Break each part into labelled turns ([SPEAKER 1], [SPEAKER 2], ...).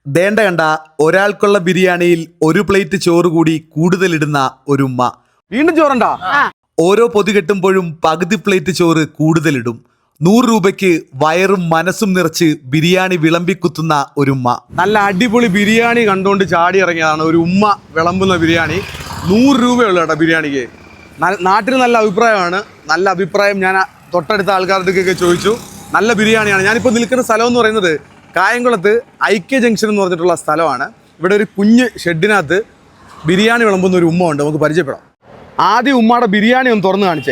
[SPEAKER 1] ദേണ്ട കണ്ട ഒരാൾക്കുള്ള ബിരിയാണിയിൽ ഒരു പ്ലേറ്റ് ചോറ് കൂടി കൂടുതലിടുന്ന ഒരു ഉമ്മ.
[SPEAKER 2] വീണ്ടും ചോറുണ്ടാ?
[SPEAKER 1] ഓരോ പൊതി കെട്ടുമ്പോഴും പകുതി പ്ലേറ്റ് ചോറ് കൂടുതലിടും. 100 രൂപയ്ക്ക് വയറും മനസ്സും നിറച്ച് ബിരിയാണി വിളമ്പിക്കുത്തുന്ന ഒരു ഉമ്മ.
[SPEAKER 2] നല്ല അടിപൊളി ബിരിയാണി കണ്ടുകൊണ്ട് ചാടി ഇറങ്ങിയതാണ് ഒരു ഉമ്മ വിളമ്പുന്ന ബിരിയാണി. 100 രൂപയുള്ളൂ കേട്ടോ ബിരിയാണിക്ക്. നാട്ടിൽ നല്ല അഭിപ്രായമാണ്. നല്ല അഭിപ്രായം ഞാൻ തൊട്ടടുത്ത ആൾക്കാർക്കൊക്കെ ചോദിച്ചു. നല്ല ബിരിയാണിയാണ്. ഞാനിപ്പോൾ നിൽക്കുന്ന സ്ഥലം എന്ന് പറയുന്നത് കായംകുളത്ത് ഐക്യ ജംഗ്ഷൻ എന്ന് പറഞ്ഞിട്ടുള്ള സ്ഥലമാണ്. ഇവിടെ ഒരു കുഞ്ഞ് ഷെഡിനകത്ത് ബിരിയാണി വിളമ്പുന്ന ഒരു ഉമ്മ ഉണ്ട്. നമുക്ക് പരിചയപ്പെടാം. ആദ്യം ഉമ്മയുടെ ബിരിയാണി ഒന്ന് തുറന്ന് കാണിച്ചേ.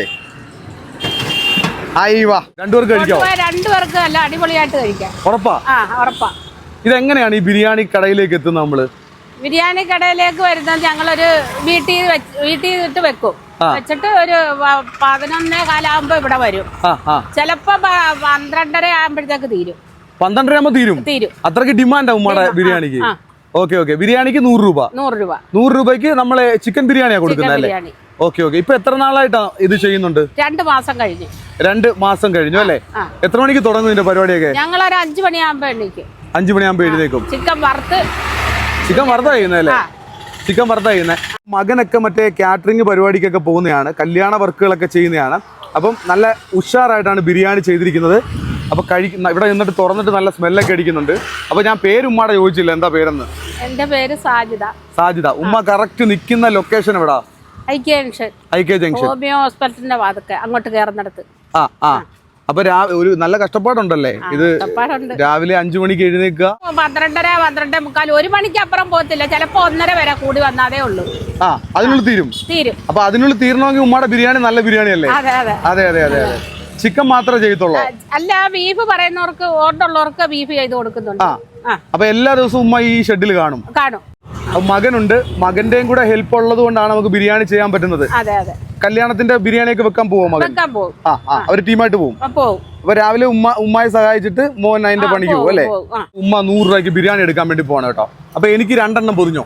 [SPEAKER 2] വാ, രണ്ടുപേർക്ക് കഴിക്കാമോ?
[SPEAKER 3] രണ്ടുപേർക്ക് നല്ല അടിപൊളിയായിട്ട് കഴിക്കാം.
[SPEAKER 2] ഉറപ്പാ?
[SPEAKER 3] ഉറപ്പാ.
[SPEAKER 2] ഇതെങ്ങനെയാണ് ഈ ബിരിയാണി കടയിലേക്ക് എത്തുന്നത്? നമ്മള്
[SPEAKER 3] ബിരിയാണി കടയിലേക്ക് വരുന്നത് ഞങ്ങളൊരു വീട്ടിൽ ഇട്ട് വെക്കും. വെച്ചിട്ട് ഒരു 11:15 ഇവിടെ വരും. ചിലപ്പോ 12:30 ആകുമ്പോഴത്തേക്ക് തീരും.
[SPEAKER 2] 12:30 ആകുമ്പോ തീരും. അത്രയ്ക്ക് ഡിമാൻഡാ ഉമ്മയുടെ ബിരിയാണിക്ക്. ഓക്കെ. ബിരിയാണിക്ക് 100 രൂപ. 100 രൂപയ്ക്ക് നമ്മള് ചിക്കൻ ബിരിയാണിയാ കൊടുക്കുന്നത് അല്ലേ? ഓക്കെ. ഇപ്പൊ എത്ര നാളായിട്ടാ ഇത് ചെയ്യുന്നുണ്ട്?
[SPEAKER 3] 2 മാസം കഴിഞ്ഞു.
[SPEAKER 2] 2 മാസം കഴിഞ്ഞു അല്ലേ? എത്ര മണിക്ക് തുടങ്ങും ഇതിന്റെ പരിപാടിയൊക്കെ?
[SPEAKER 3] ഞങ്ങളൊരു 5 മണിയാകുമ്പോ എണീക്കും.
[SPEAKER 2] 5 മണിയാകുമ്പോ എഴുന്നേക്കും.
[SPEAKER 3] ചിക്കൻ വറുത്ത
[SPEAKER 2] കഴിയുന്നല്ലേ? ചിക്കൻ വറുത്ത കഴിയുന്നത്. മകനൊക്കെ മറ്റേ കാറ്ററിംഗ് പരിപാടിക്കൊക്കെ പോകുന്നതാണ്, കല്യാണ വർക്കുകളൊക്കെ ചെയ്യുന്നതാണ്. അപ്പം നല്ല ഉഷാറായിട്ടാണ് ബിരിയാണി ചെയ്തിരിക്കുന്നത്. അപ്പൊ ഇവിടെ നിന്നിട്ട് തുറന്നിട്ട് നല്ല സ്മെല്ലൊക്കെ അടിക്കുന്നുണ്ട്. അപ്പൊ ഞാൻ പേര് ഉമ്മയുടെ ചോദിച്ചില്ല, എന്താ പേരെന്ന്?
[SPEAKER 3] എന്റെ പേര് സാജിദ.
[SPEAKER 2] ഉമ്മ കറക്റ്റ് നിൽക്കുന്ന ലൊക്കേഷൻ എവിടാ?
[SPEAKER 3] ഐക്യ ജംഗ്ഷൻ ഹോമിയോ ഹോസ്പിറ്റലിന്റെ വാതൊക്കെ അങ്ങോട്ട് കയറുന്നിടത്ത്.
[SPEAKER 2] അപ്പൊ ഒരു നല്ല കഷ്ടപ്പാടുണ്ടല്ലേ ഇത്? രാവിലെ 5 മണിക്ക് എഴുന്നേക്കുക,
[SPEAKER 3] 12:30 12:45 1 മണിക്ക് അപ്പുറം പോകത്തില്ല. ചിലപ്പോ 1:30 വരെ കൂടി വന്നാതേ ഉള്ളൂ.
[SPEAKER 2] അതിനുള്ളിൽ തീരും. അപ്പൊ അതിനുള്ളിൽ തീരണമെങ്കിൽ ഉമ്മയുടെ ബിരിയാണി നല്ല ബിരിയാണി അല്ലേ? അതെ. ചിക്കൻ മാത്രമേ ചെയ്യത്തുള്ളൂ?
[SPEAKER 3] അല്ല, ബീഫ് പറയുന്നവർക്ക് ഓർഡർ ഉള്ളവർക്ക് ബീഫ് ചെയ്ത് കൊടുക്കുന്നുണ്ട്.
[SPEAKER 2] അപ്പൊ എല്ലാ ദിവസവും ഉമ്മ ഈ ഷെഡിൽ കാണും. മകനുണ്ട്, മകന്റെയും കൂടെ ഹെൽപ്പ് ഉള്ളത് കൊണ്ടാണ് നമുക്ക് ബിരിയാണി ചെയ്യാൻ പറ്റുന്നത്. കല്യാണത്തിന്റെ ബിരിയാണിയൊക്കെ വെക്കാൻ പോവും മകൻ? അവര് ടീമായിട്ട് പോവും. അപ്പൊ രാവിലെ ഉമ്മയെ സഹായിച്ചിട്ട് മോൻ അതിന്റെ പണിക്ക് പോകും അല്ലേ? ഉമ്മ 100 രൂപയ്ക്ക് ബിരിയാണി എടുക്കാൻ വേണ്ടി പോകണം കേട്ടോ. അപ്പൊ എനിക്ക് 2 എണ്ണം പൊതിഞ്ഞോ?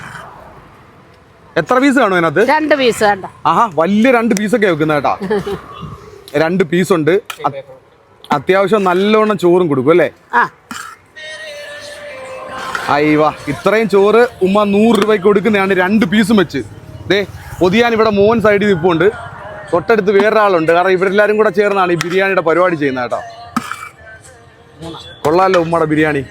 [SPEAKER 2] എത്ര പീസ് കാണും അതിനകത്ത്?
[SPEAKER 3] 2 പീസ്.
[SPEAKER 2] വലിയ 2 പീസൊക്കെ വെക്കുന്ന കേട്ടോ. 2 പീസുണ്ട്. അത്യാവശ്യം നല്ലോണം ചോറും കൊടുക്കും അല്ലേ? ഇത്രയും ചോറ് ഉമ്മ 100 രൂപയ്ക്ക് കൊടുക്കുന്നതാണ് 2 പീസും വെച്ച്. പൊതിയാൻ ഇവിടെ മോൻ സൈഡിൽ നിൽപ്പുണ്ട്. തൊട്ടടുത്ത് വേറൊരാളുണ്ട്. കാരണം ഇവരെല്ലാരും കൂടെ ചേർന്നാണ് ഈ ബിരിയാണിയുടെ പരിപാടി ചെയ്യുന്നത് കേട്ടോ. കൊള്ളാലോ ഉമ്മയുടെ ബിരിയാണി.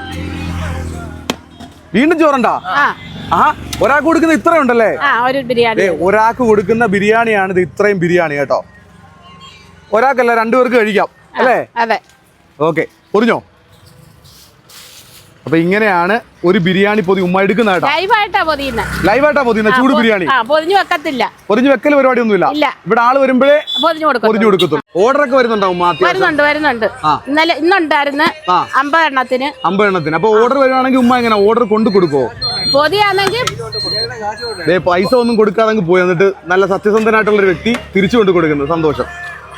[SPEAKER 2] വീണ്ടും ചോറുണ്ടാ? ഒരാൾക്ക് കൊടുക്കുന്ന ഇത്രയും ഉണ്ടല്ലേ? ഒരാൾക്ക് കൊടുക്കുന്ന ബിരിയാണിയാണ് ഇത്. ഇത്രയും ബിരിയാണി കേട്ടോ. ഒരാൾക്കല്ല, 2 പേർക്ക് കഴിക്കാം അല്ലേ? ഓക്കെ. പൊതിഞ്ഞോ? അപ്പൊ ഇങ്ങനെയാണ് ഒരു ബിരിയാണി പൊതി ഉമ്മ എടുക്കുന്ന കേട്ടോ.
[SPEAKER 3] ലൈവായിട്ടാ
[SPEAKER 2] പൊതിയുന്ന ചൂട് ബിരിയാണി.
[SPEAKER 3] പൊതിഞ്ഞു
[SPEAKER 2] വെക്കൽ പരിപാടി ഒന്നുമില്ല. ഇവിടെ ആള് വരുമ്പോഴേ പൊതിഞ്ഞു കൊടുക്കത്തുള്ളൂ. ഓർഡർ ഒക്കെ വരുന്നുണ്ടോ ഉമ്മ?
[SPEAKER 3] വരുന്നുണ്ട്. ഇന്നുണ്ടായിരുന്നു 50 എണ്ണത്തിന്.
[SPEAKER 2] അപ്പൊ ഓർഡർ വരുവാണെങ്കിൽ ഉമ്മ എങ്ങനെ ഓർഡർ കൊണ്ടു കൊടുക്കോ?
[SPEAKER 3] പൊതിയാണെങ്കിൽ
[SPEAKER 2] പൈസ ഒന്നും കൊടുക്കാതെ പോയി എന്നിട്ട് നല്ല സത്യസന്ധനായിട്ടുള്ള ഒരു വ്യക്തി തിരിച്ചു കൊണ്ട് കൊടുക്കുന്നത്. സന്തോഷം.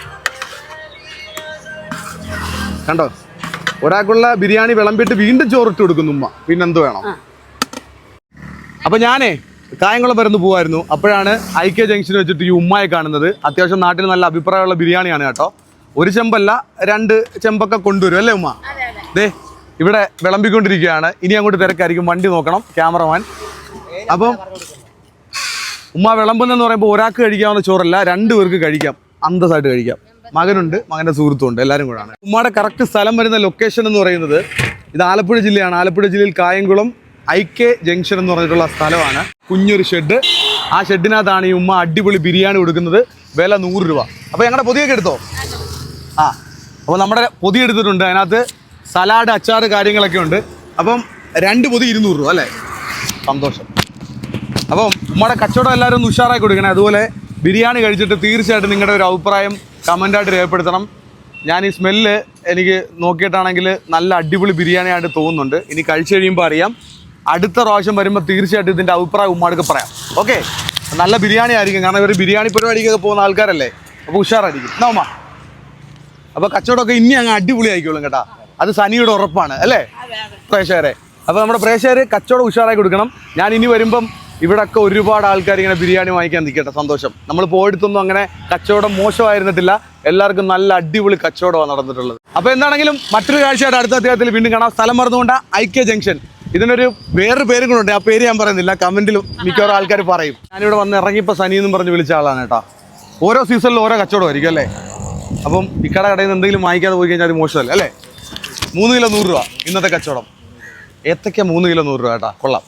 [SPEAKER 2] കണ്ടോ, ഒരാൾക്കുള്ള ബിരിയാണി വിളമ്പിട്ട് വീണ്ടും ചോറിട്ട് കൊടുക്കുന്നു ഉമ്മ. പിന്നെന്ത് വേണം? അപ്പൊ ഞാനേ കായംകുളം വരുന്ന് പോവായിരുന്നു. അപ്പോഴാണ് ഐക്യ ജംഗ്ഷൻ വെച്ചിട്ട് ഈ ഉമ്മയെ കാണുന്നത്. അത്യാവശ്യം നാട്ടിൽ നല്ല അഭിപ്രായമുള്ള ബിരിയാണിയാണ് കേട്ടോ. 1 ചെമ്പല്ല 2 ചെമ്പൊക്കെ കൊണ്ടുവരും അല്ലേ ഉമ്മ? ഇവിടെ വിളമ്പിക്കൊണ്ടിരിക്കുകയാണ്. ഇനി അങ്ങോട്ട് തിരക്കായിരിക്കും. വണ്ടി നോക്കണം, ക്യാമറമാൻ. അപ്പം ഉമ്മ വിളമ്പുന്നെന്ന് പറയുമ്പോൾ ഒരാൾക്ക് കഴിക്കാവുന്ന ചോറല്ല, 2 പേർക്ക് കഴിക്കാം, അന്തസ്സായിട്ട് കഴിക്കാം. മകനുണ്ട്, മകന്റെ സുഹൃത്തുണ്ട്, എല്ലാവരും കൂടാണ്. ഉമ്മയുടെ കറക്റ്റ് സ്ഥലം വരുന്ന ലൊക്കേഷൻ എന്ന് പറയുന്നത് ഇത് ആലപ്പുഴ ജില്ലയാണ്. ആലപ്പുഴ ജില്ലയിൽ കായംകുളം ഐക്യ ജംഗ്ഷൻ എന്ന് പറഞ്ഞിട്ടുള്ള സ്ഥലമാണ്. കുഞ്ഞൊരു ഷെഡ്. ആ ഷെഡിനകത്താണ് ഈ ഉമ്മ അടിപൊളി ബിരിയാണി കൊടുക്കുന്നത്. വില 100 രൂപ. അപ്പോൾ ഞങ്ങളുടെ പൊതിയൊക്കെ എടുത്തോ? അപ്പോൾ നമ്മുടെ പൊതി എടുത്തിട്ടുണ്ട്. അതിനകത്ത് സലാഡ്, അച്ചാറ് കാര്യങ്ങളൊക്കെ ഉണ്ട്. അപ്പം 2 പൊതി 200 രൂപ അല്ലേ? സന്തോഷം. അപ്പം ഉമ്മയുടെ കച്ചവടം എല്ലാവരും ഒന്ന് ഉഷാറായി കൊടുക്കണേ. അതുപോലെ ബിരിയാണി കഴിച്ചിട്ട് തീർച്ചയായിട്ടും നിങ്ങളുടെ ഒരു അഭിപ്രായം കമൻ്റായിട്ട് രേഖപ്പെടുത്തണം. ഞാൻ ഈ സ്മെല്ല് എനിക്ക് നോക്കിയിട്ടാണെങ്കിൽ നല്ല അടിപൊളി ബിരിയാണിയായിട്ട് തോന്നുന്നുണ്ട്. ഇനി കഴിച്ചു കഴിയുമ്പോൾ അറിയാം. അടുത്ത പ്രാവശ്യം വരുമ്പോൾ തീർച്ചയായിട്ടും ഇതിൻ്റെ അഭിപ്രായം ഉമ്മാർക്ക് പറയാം. ഓക്കെ, നല്ല ബിരിയാണി ആയിരിക്കും. കാരണം ഇവർ ബിരിയാണി പരിപാടിക്കൊക്കെ പോകുന്ന ആൾക്കാരല്ലേ. അപ്പോൾ ഉഷാറായിരിക്കും എന്നാ ഉമ്മ. അപ്പോൾ കച്ചവടമൊക്കെ ഇനി അങ്ങ് അടിപൊളി ആയിക്കോളും കേട്ടോ. അത് സനിയുടെ ഉറപ്പാണ് അല്ലേ പ്രേക്ഷകരെ? അപ്പോൾ നമ്മുടെ പ്രേക്ഷകർ കച്ചവടം ഉഷാറായി കൊടുക്കണം. ഞാൻ ഇനി വരുമ്പം ഇവിടെയൊക്കെ ഒരുപാട് ആൾക്കാർ ഇങ്ങനെ ബിരിയാണി വാങ്ങിക്കാൻ നിൽക്കട്ടെ. സന്തോഷം. നമ്മൾ പോയിടത്തൊന്നും അങ്ങനെ കച്ചവടം മോശമായിരുന്നിട്ടില്ല. എല്ലാവർക്കും നല്ല അടിപൊളി കച്ചവടമാണ് നടന്നിട്ടുള്ളത്. അപ്പോൾ എന്താണെങ്കിലും മറ്റൊരു കാഴ്ചയായിട്ട് അടുത്ത അധ്യായത്തിൽ വീണ്ടും കാണാം. സ്ഥലം മറന്നുകൊണ്ട് ഐക്യ ജംഗ്ഷൻ ഇതിനൊരു വേറൊരു പേരും കൂടെ ഉണ്ട്, ആ പേര് ഞാൻ പറയുന്നില്ല, കമന്റിലും മിക്കവാറും ആൾക്കാർ പറയും. ഞാനിവിടെ വന്ന് ഇറങ്ങിയപ്പോൾ സനി എന്നും പറഞ്ഞ് വിളിച്ച ആളാണ് കേട്ടോ. ഓരോ സീസണിലും ഓരോ കച്ചവടമായിരിക്കും അല്ലേ. അപ്പം ഇക്കട കടയിൽ നിന്ന് എന്തെങ്കിലും വാങ്ങിക്കാതെ പോയി കഴിഞ്ഞാൽ അത് മോശമല്ലേ അല്ലേ. 3 കിലോ 100 രൂപ ഇന്നത്തെ കച്ചവടം. ഏത്തക്ക 3 കിലോ 100 രൂപ കേട്ടോ, കൊള്ളാം.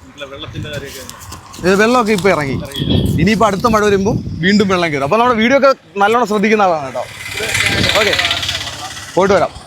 [SPEAKER 2] ഇത് വെള്ളമൊക്കെ ഇപ്പോൾ ഇറങ്ങി, ഇനിയിപ്പോൾ അടുത്ത മഴ വരുമ്പോൾ വീണ്ടും വെള്ളം കയറും. അപ്പോൾ നമ്മുടെ വീഡിയോ ഒക്കെ നല്ലോണം ശ്രദ്ധിക്കുന്ന ആളാണ് കേട്ടോ. ഓക്കെ, പോയിട്ട് വരാം.